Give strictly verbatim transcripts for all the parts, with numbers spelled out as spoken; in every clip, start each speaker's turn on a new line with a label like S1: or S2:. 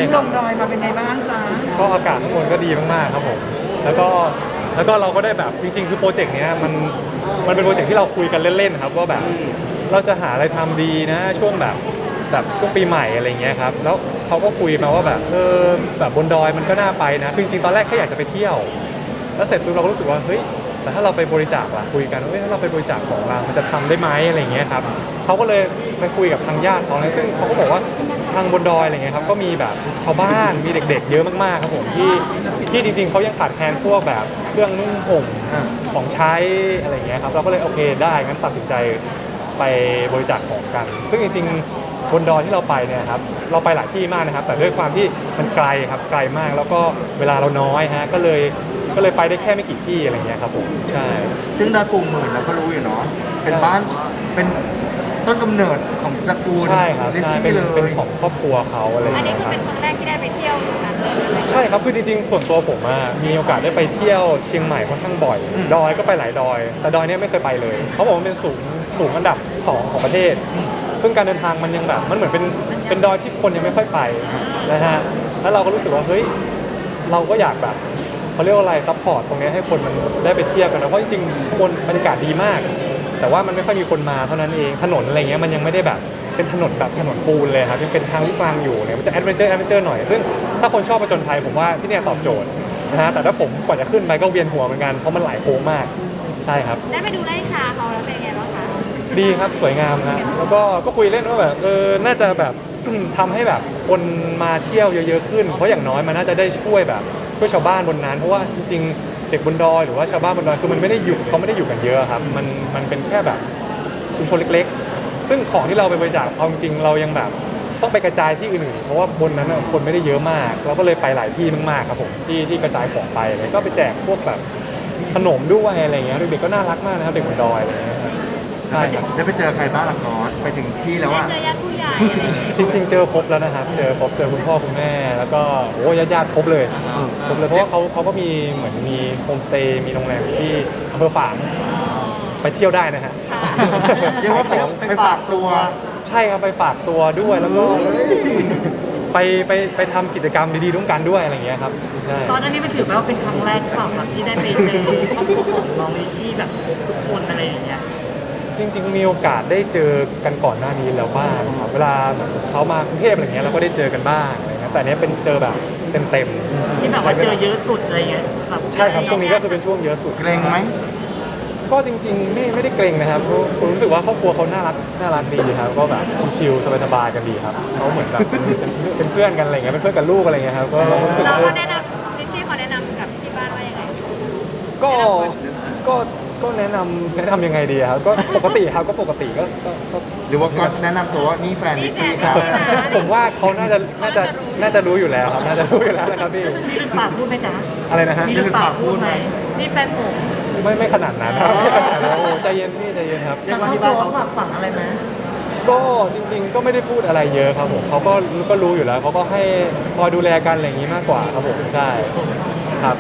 S1: ลงดอยมาเป็นไงบ้างจ๊ะ
S2: ก็อากาศข้างบนก็ดีมากๆครับผมแล้วก็แล้วก็เราก็ได้แบบจริงๆคือโปรเจกต์เนี้ยมันมันเป็นโปรเจกต์ที่เราคุยกันเล่นๆครับว่าแบบเราจะหาอะไรทำดีนะช่วงแบบแบบช่วงปีใหม่อะไรเงี้ยครับแล้วเขาก็คุยมาว่าแบบเออแบบบนดอยมันก็น่าไปนะคือจริงๆตอนแรกแค่อยากจะไปเที่ยวแล้วเสร็จปุ๊บเราก็รู้สึกว่าเฮ้ยแต่ถ้าเราไปบริจาคล่ะคุยกันว่าเฮ้ยถ้าเราไปบริจาคของเรามันจะทำได้ไหมอะไรเงี้ยครับเขาก็เลยไปคุยกับทางญาติเขาเลยซึ่งเขาก็บอกว่าทางบนดอยอะไรเงี้ยครับก็มีแบบชาวบ้านมีเด็กๆเยอะมากๆครับผมที่ที่จริงๆเขายังขาดแคลนพวกแบบเครื่องนุ่งห่มของใช้อะไรเงี้ยครับเราก็เลยโอเคได้งั้นตัดสินใจไปบริจาคของกันซึ่งจริงๆบนดอยที่เราไปเนี่ยครับเราไปหลายที่มากนะครับแต่ด้วยความที่มันไกลครับไกลมากแล้วก็เวลาเราน้อยฮะก็เลยก็เลยไปได้แค่ไม่กี่ที่อะไรเงี้ยครับผมใช่
S3: ซึ่งดอยปูหมื่นเราก็รู้อยู่เนาะเป็นบ้านเป็นต้นกำเนิดของตระกูล
S2: ใช่ครับใช่เป็นเป็นของครอบครัวเขาอะไรอย่าง
S4: อันนี้
S2: เงี้ย
S4: คือ
S2: ครับ
S4: เป็นครั้งแรกที่ได้ไปเที่ยวนั้นเลยไหม
S2: ใช่ครับคือจริงๆส่วนตัวผมอะมีโอกาสได้ไปเที่ยวเชียงใหม่ค่อนข้างบ่อยดอยก็ไปหลายดอยแต่ดอยเนี้ยไม่เคยไปเลยเขาบอกว่าเป็นสูงสูงอันดับสองของประเทศซึ่งการเดินทางมันยังแบบมันเหมือนเป็นเป็นดอยที่คนยังไม่ค่อยไปนะฮะแล้วเราก็รู้สึกว่าเฮ้ยเราก็อยากแบบเขาเรียกว่าอะไรซัพพอร์ตตรงนี้ให้คนมันได้ไปเที่ยวกันนะเพราะจริงๆข้างบนบรรยากาศดีมากแต่ว่ามันไม่ค่อยมีคนมาเท่านั้นเองถนนอะไรเงี้ยมันยังไม่ได้แบบเป็นถนนแบบถนนปูนเลยครับยังเป็นทางลูกรังอยู่เนี่ยมันจะแอดเวนเจอร์แอดเวนเจอร์หน่อยซึ่งถ้าคนชอบผจญภัยผมว่าที่เนี่ยตอบโจทย์นะฮะแต่ถ้าผมกว่าจะขึ้นไปก็เวียนหัวเหมือนกันเพราะมันหลายโค้งมากใช่ครับ
S4: ได้ไปดูไร่ชาเขาแล้วเป็นไงบ้างคะ
S2: ดีครับสวยงามครับแล้วก็ก็คุยเล่นว่าแบบเออน่าจะแบบ ทำให้แบบคนมาเที่ยวเยอะๆขึ้นเพราะอย่างน้อยมันน่าจะได้ช่วยแบบช่วยชาวบ้านบนนั้นเพราะว่าจริงๆเด็กบนดอยหรือว่าชาวบ้านบนดอยคือมันไม่ได้อยู่เขาไม่ได้อยู่กันเยอะครับมันมันเป็นแค่แบบชุมชนเล็กๆซึ่งของที่เราไปบริจาคเอาจริงๆเรายังแบบต้องไปกระจายที่อื่นๆเพราะว่าบนนั้นคนไม่ได้เยอะมากเราก็เลยไปหลายที่มากๆครับผมที่ที่กระจายของไปเลยก็ไปแจกพวกแบบขนมด้วยอะไรเงี้ยเด็กๆก็น่ารักมากนะครับเด็กบนดอยอะไรเงี้ยใช่ครับ
S3: ได้ไปเจอใครบ้างล่ะก๊อตไปถึงที่แล้วอ่ะ
S4: เจอญาติผู้ใหญ่
S2: จริงๆเจอครบแล้วนะครับเจอครบเจอคุณพ่อคุณแม่แล้วก็โอ้ญาติญาติครบเลยครบเลยเพราะว่าเขาเขาก็มีเหมือนมีโฮมสเตย์มีโรงแรมที่อำเภอฝางไปเที่ยวได้นะฮะ
S3: เรียกว่าไปฝากตัว
S2: ใช่ครับไปฝากตัวด้วยแล้วก็ไปไปไปทำกิจกรรมดีๆร่วมกันด้วยอะไรอย่างเงี้ยครับใช่
S5: ตอนนี้มันถือว่าเป็นครั้งแรกเปล่าครับที่ได้ไปเจอครอบครัวของน้องลิชี่แบบทุกคนอะไรอย่างเงี้ย
S2: จริงๆมีโอกาสได้เจอกันก่อนหน้านี้แล้วบ้างครับเวลาเขามากรุงเทพอะไรเงี้ยเราก็ได้เจอกันบ้างอะไรเงี้ยแต่เนี้ยเป็นเจอแบบเต็มๆ
S5: ที่แบบว่าเจอเยอะสุดอะไรเงี้ย
S2: ใช่ครับช่วงนี้ก็คือเป็นช่วงเยอะสุด
S3: เกรงไหม
S2: ก็จริงๆไม่ไม่ได้เกรงนะครับผมรู้สึกว่าครอบครัวเขาน่ารักน่ารักดีครับก็แบบชิลๆสบายๆกันดีครับเขาเหมือนแบบเป็นเพื่อนกันอะไรเงี้ยเป็นเพื่อนกับลูกอะไรเงี้ยครับก็รู้สึก
S4: เรา
S2: ว่า
S4: แนะนำลิชี่เขาแนะนำกับที่บ้านว่ายังไง
S2: ก็ก็ก็แนะนำแนะนำยังไงดีครับก็ปกติครับก็ปกติก็ก็
S3: หรือว่าก๊อตแนะนำตัวว่านี่แฟนลิชี่ครับ
S2: ผมว่าเขาน่าจะน่าจะน่าจะรู้อยู่แล้วครับน่าจะรู้อยู่แล้วนะครับพี่
S5: นี่เป็นปากพูดไหมจ๊ะ
S2: อะไรนะฮะ
S5: นี่เป็นปากพูดไหมนี่แฟนผม
S2: ไม่ไม่ขนาดนั้นครับไม่ขนาดนั้นโอ้ใจเย็นพี่ใจเย็นครับ
S1: ทางครอบครัวฝากฝังอะไรไหม
S2: ก็จริงๆก็ไม่ได้พูดอะไรเยอะครับผมเขาก็ก็รู้อยู่แล้วเขาก็ให้คอยดูแลกันอะไรอย่างนี้มากกว่าครับผมใช่ครับ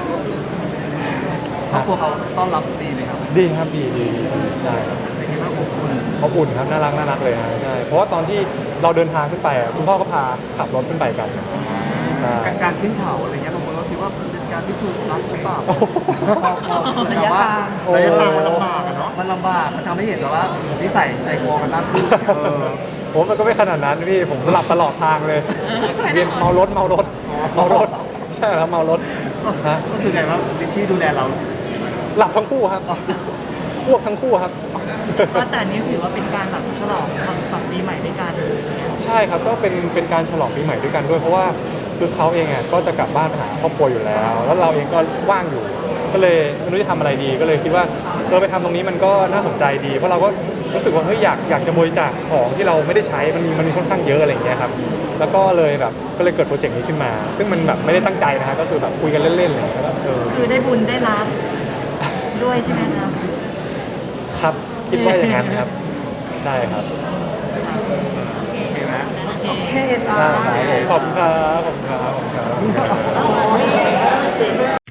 S3: ครอบครัวเขาต้อนรับดีไหมครับ
S2: ดีครับดีดีใช่ครับ
S3: เป็นไงบ้างอบอุ่น
S2: อบอุ่นครับน่ารักน่ารักเลยครับใช่เพราะว่าตอนที่เราเดินทางขึ้นไปคุณพ่อก็พาขับรถขึ้นไปกันใช่
S3: การขึ้นเขาอะไรเงี้ยบางคนก็คิดว่าเป็นการที่ถูกรัดหรือเปล่าระยะทางระยะทางมันลำบากอะเนาะมันลำบากมันทำให้เห็นแบบว่านิสัยใจคอกันมากขึ้น
S2: ผมมันก็ไม่ขนาดนั้นพี่ผมหลับตลอดทางเลยเวียนเมารถเมารถเมารถใช่ครับเมารถ
S3: ฮะก็คือไงว่าลิชี่ดูแลเรา
S2: หลับทั้งคู่ครับอ้วกทั้งคู่ครับ
S5: ก็แต่นี้ถือว่าเป็นการแบบฉลองแบบปีใหม่ด้วยกัน
S2: ใช่ครับก็เป็นเป็นการฉลองปีใหม่ด้วยกันด้วยเพราะว่าคือเขาเองอ่ะก็จะกลับบ้านหาครอบครัวอยู่แล้ว แล้วเราเองก็ว่างอยู่ก็เลยไม่รู้จะทำอะไรดีก็เลยคิดว่าเออไปทำตรงนี้มันก็น่าสนใจดีเพราะเราก็รู้สึกว่าเฮ้ยอยากอยากจะบริจาคของที่เราไม่ได้ใช้มันมีมันมีค่อนข้างเยอะอะไรอย่างเงี้ยครับแล้วก็เลยแบบก็เลยเกิดโปรเจกต์นี้ขึ้นมา ซึ่งมันแบบไม่ได้ตั้งใจนะฮะก็คือแบบคุยกันเล่นๆเลยแล้วเออ
S5: คือได้บุญได้รับด้วยใช่ไหมครับ
S2: ครับคิดว่าอย่างนั้นครับใช่ครับ
S3: โอเคไหม
S1: โอเคจ้า
S2: ขอบคุณครับขอบคุณครับขอบคุณครับ